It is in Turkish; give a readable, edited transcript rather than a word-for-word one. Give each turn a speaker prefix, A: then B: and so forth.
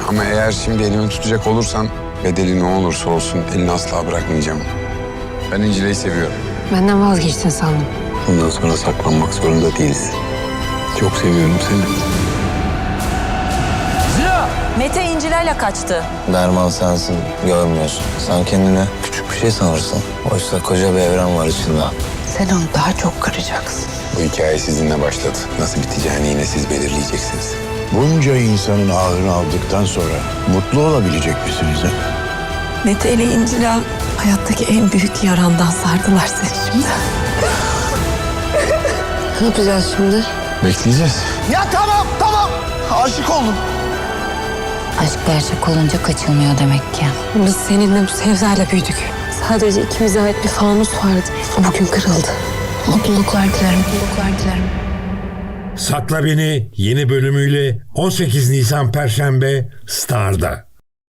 A: Ama eğer şimdi elimi tutacak olursan bedeli ne olursa olsun elini asla bırakmayacağım. Ben İncile'yi seviyorum.
B: Benden vazgeçtin sandım.
A: Bundan sonra saklanmak zorunda değiliz. Çok seviyorum seni.
C: Mete İnciler'le kaçtı.
D: Derman sensin, görmüyorsun. Sen kendine küçük bir şey sanırsın. Oysa koca bir evren var içinde.
E: Sen onu daha çok kıracaksın.
A: Bu hikaye sizinle başladı. Nasıl biteceğini yine siz belirleyeceksiniz.
F: Bunca insanın ahını aldıktan sonra mutlu olabilecek misiniz?
E: Mete ile İncil'a hayattaki en büyük yarandan sardılar seni şimdi.
B: Ne yapacağız şimdi?
A: Bekleyeceğiz.
F: Ya tamam. Aşık oldum.
G: Aşk gerçek olunca kaçılmıyor demek ki.
B: Biz seninle bu sevdayla büyüdük. Sadece ikimize ait bir fanus vardı. O bugün kırıldı.
G: Mutluluklar dilerim, mutluluklar dilerim.
H: Sakla Beni yeni bölümüyle 18 Nisan Perşembe Star'da.